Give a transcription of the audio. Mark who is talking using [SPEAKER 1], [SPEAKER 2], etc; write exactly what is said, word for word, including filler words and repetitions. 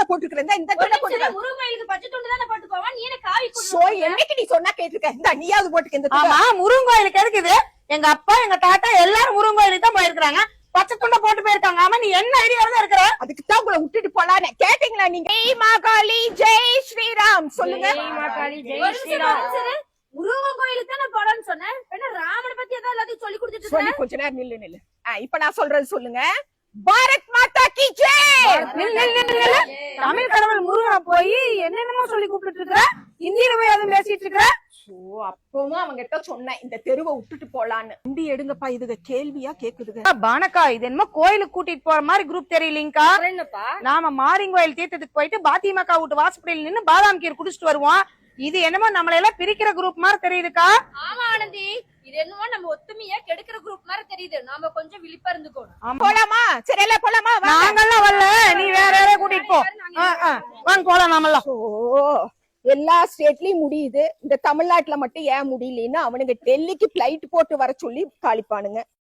[SPEAKER 1] போட்டுக்கிறேன் இந்த துண்டை போட்டுக்க.
[SPEAKER 2] முருங்கைக்கு பச்சை துண்டு தானே போட்டு போவா, நீ என்ன காவி
[SPEAKER 1] சோ என்னைக்கு நீ சொன்னா கேட்டிருக்க. இந்த நீயாவது போட்டுக்க இந்த துண்டை.
[SPEAKER 3] ஆமா முருங்காயிலுக்கு இருக்குது. எங்க அப்பா எங்க தாத்தா எல்லாரும் முருங்காயிலுக்கு தான் போயிருக்காங்க, பச்சை துண்டை போட்டு போயிருக்காங்க. ஆமா நீ என்ன ஐடியால தான் இருக்கிற?
[SPEAKER 1] அதுக்கு தான் உங்களை விட்டுட்டு போலான்னு கேட்டீங்களா நீங்க? ஜெய் மாகாளி ஜெய் ஸ்ரீராம் சொல்லுங்க.
[SPEAKER 2] முருகன் கோயிலுக்கு தானே போலான்னு சொன்னேன். ராமனை பத்தி ஏதாவது எல்லாத்தையும் சொல்லி கொடுத்துட்டு
[SPEAKER 1] சொல்லி கொஞ்ச நேரம் நில்லு நில்லு. இப்ப நான் சொல்றது சொல்லுங்க. பாரத் மாதா கி ஜெய்.
[SPEAKER 3] தமிழ் கடவுள் முருகனை போய் என்னென்னமோ சொல்லி கூப்பிட்டு இருக்கிற, ஹிந்தியில போய் அதுவும் பேசிட்டு இருக்கிற.
[SPEAKER 1] சோ அப்பவும் அவங்க கிட்ட சொன்னேன் இந்த தெருவை விட்டுட்டு போலான்னு. வண்டி எடுங்கப்பா, இதுக கேள்வியா கேக்குதுங்க.
[SPEAKER 3] பானக்கா இது என்னமோ கோயிலுக்கு கூட்டிட்டு போற மாதிரி குரூப் தெரியலீங்கக்கா.
[SPEAKER 2] என்னப்பா
[SPEAKER 3] நாம மாரிங்கோயில் தீர்த்தத்துக்கு போயிட்டு பாத்திமாக்கா வீட்டு வாசப்படியில் நின்னு பாதாம் கீர் குடிச்சிட்டு வருவோம். இது என்னமோ நம்மள எல்லாம் பிரிக்கிற குரூப் மாதிரி தெரியுதுக்கா.
[SPEAKER 2] ஆமா ஆனந்தி, இது என்னமோ நம்ம ஒத்துமையா கெடுக்கிற குரூப் மாதிரி தெரியுது. நாம கொஞ்சம் விழிப்பா இருந்துக்கணும்.
[SPEAKER 1] போலாமா? சரி எல்லாம் போலாமா?
[SPEAKER 3] நாங்கெல்லாம் வரல, நீ வேற யாரையும் கூட்டிட்டு போ. வாங்க போலாம் நாமெல்லாம்.
[SPEAKER 1] ஓ எல்லா ஸ்டேட்லயும் முடியுது, இந்த தமிழ்நாட்டுல மட்டும் ஏன் முடியலன்னு அவனுங்க டெல்லிக்கு பிளைட் போட்டு வர சொல்லி காலிப்பானுங்க.